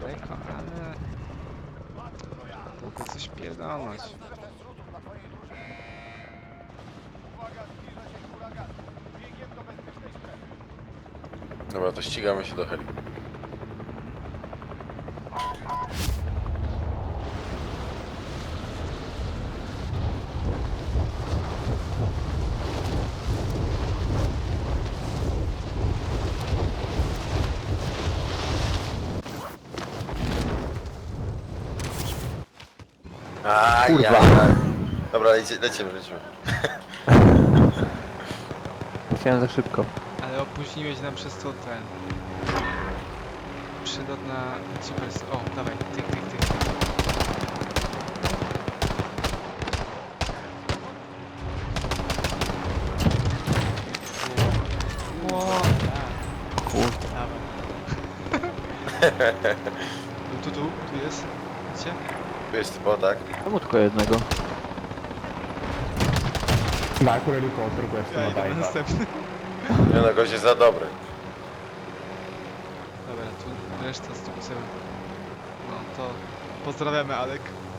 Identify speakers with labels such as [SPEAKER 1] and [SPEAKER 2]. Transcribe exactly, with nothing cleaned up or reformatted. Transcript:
[SPEAKER 1] daleko, ale... Mogę coś pierdolnąć.
[SPEAKER 2] Dobra, to ścigamy się do heli. A,
[SPEAKER 3] Kurwa.
[SPEAKER 2] ja. Dobra, leci, lecimy, lecimy.
[SPEAKER 3] Chciałem za szybko.
[SPEAKER 1] Ale opóźniłeś nam przez to ten... Przylot na Jeepers. O, dawaj, tyk, tyk, tyk. Ło, tak.
[SPEAKER 3] Kurde.
[SPEAKER 1] Dawaj. Tu, tu, tu, tu jest. Widzicie?
[SPEAKER 2] Tu jest typo, tak?
[SPEAKER 3] Czemu tylko jednego?
[SPEAKER 4] Dai pure l'elicottero questo,
[SPEAKER 1] Ja
[SPEAKER 4] ma
[SPEAKER 1] idę
[SPEAKER 4] dai,
[SPEAKER 1] na
[SPEAKER 4] va.
[SPEAKER 1] następny.
[SPEAKER 2] Nie no, gość jest za dobry.
[SPEAKER 1] Dobra, tu reszta z tu No to pozdrawiamy, Alek.